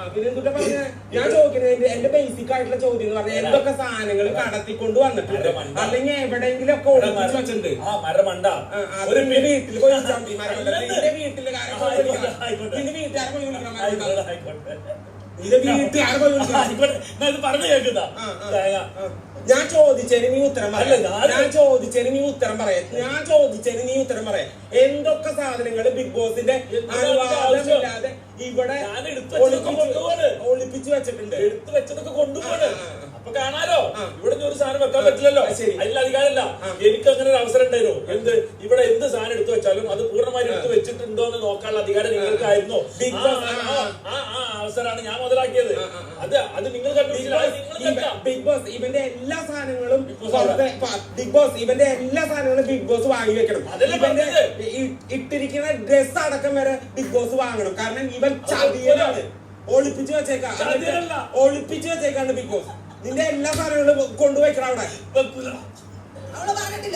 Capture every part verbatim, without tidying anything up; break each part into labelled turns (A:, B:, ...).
A: ഞാൻ ചോദിക്കുന്നത് എന്റെ ബേസിക് ആയിട്ടുള്ള ചോദ്യം എന്ന് പറഞ്ഞാൽ എന്തൊക്കെ സാധനങ്ങൾ കടത്തിക്കൊണ്ട് വന്നിട്ടുണ്ട് അല്ലെങ്കിൽ എവിടെയെങ്കിലും ഒക്കെ ഒളിപ്പിച്ച് വെച്ചിട്ടുണ്ട് വീട്ടിൽ പോയി നിന്റെ വീട്ടില് നിന്റെ വീട്ടുകാരെ പോയി വിളിക്കണം നിന്റെ വീട്ടുകാരെ പോയി വിളിക്കണം
B: പറഞ്ഞു കേൾക്കുന്ന
A: ഞാൻ ചോദിച്ചതിന് നീ ഉത്തരം പറയാം ഞാൻ ചോദിച്ചതിന് നീ ഉത്തരം പറയാം ഞാൻ ചോദിച്ചതിന് നീ ഉത്തരം പറയാം എന്തൊക്കെ സാധനങ്ങൾ ബിഗ് ബോസിന്റെ അനുവാദമില്ലാതെ ഇവിടെ ഒളിപ്പിച്ചു വെച്ചിട്ടുണ്ട്
B: എടുത്തു വെച്ചതൊക്കെ കൊണ്ടുപോകണ് അപ്പൊ കാണാലോ ഇവിടെ ഒരു സാധനം വെക്കാൻ പറ്റില്ലല്ലോ അതിൽ അധികാരമില്ല എനിക്ക് അങ്ങനെ ഒരു അവസരം ഉണ്ടായിരുന്നു എന്ത് ഇവിടെ എന്ത് സാധനം എടുത്തു വെച്ചാലും അത് പൂർണ്ണമായി എടുത്ത് വെച്ചിട്ടുണ്ടോ എന്ന് നോക്കാനുള്ള അധികാരം നിങ്ങൾക്കായിരുന്നു ആ ആ അവസരമാണ് ഞാൻ മുതലാക്കിയത് അത് അത് നിങ്ങൾ
A: ബിഗ് ബോസ് ഇവന്റെ എല്ലാ സാധനങ്ങളും ബിഗ് ബോസ് ഇവന്റെ എല്ലാ സാധനങ്ങളും ബിഗ് ബോസ് വാങ്ങി വെക്കണം ഇവന്റെ ഇട്ടിരിക്കുന്ന ഡ്രസ് അടക്കം വരെ ബിഗ് ബോസ് വാങ്ങണം കാരണം ഇവൻ ചതിയതാണ് ഒളിപ്പിച്ചു വെച്ചേക്കാം ഒളിപ്പിച്ചു വെച്ചേക്കാണ് ബിഗ് ബോസ് നിന്റെ എല്ലാ സാധനങ്ങളും കൊണ്ടുപോയിക്കണം അവിടെ
C: അവള് പറഞ്ഞിട്ടില്ല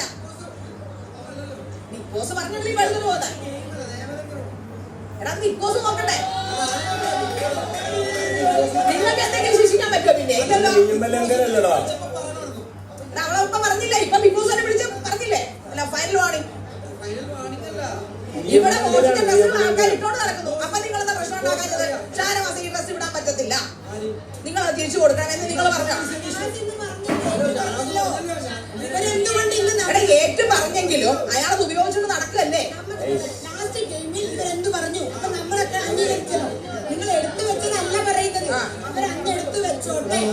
C: ബിഗ് ബോസ് പറഞ്ഞിട്ടില്ല ഈ വെള്ളം പോകുന്നത് എടാ ബിഗ് ബോസ് നോക്കട്ടെ നിങ്ങൾക്ക് എന്തെങ്കിലും ശിക്ഷിക്കാൻ പറ്റുമോ പിന്നെ ഇല്ലല്ലോ അവളെ ഇപ്പൊ പറഞ്ഞില്ല ഇപ്പൊ ബിഗ് ബോസ് വിളിച്ച് പറഞ്ഞില്ലേ അല്ല ഫൈനൽ വാണിംഗ് ഇവിടെ മോശത്തെ ഡ്രസ്സുകൾ ആൾക്കാർ ഇട്ടോണ്ട് നടക്കുന്നു അപ്പൊ നിങ്ങൾ എന്താ പ്രശ്നം ഉണ്ടാക്കാത്തത് ഷാനവാസ് ഈ ഡ്രസ് ഇടാൻ പറ്റത്തില്ല നിങ്ങൾ അത് തിരിച്ചു കൊടുക്കണം എന്ന് നിങ്ങൾ പറഞ്ഞോ ഏറ്റു പറഞ്ഞെങ്കിലും അയാളത് ഉപയോഗിച്ചുകൊണ്ട് നടക്കല്ലേ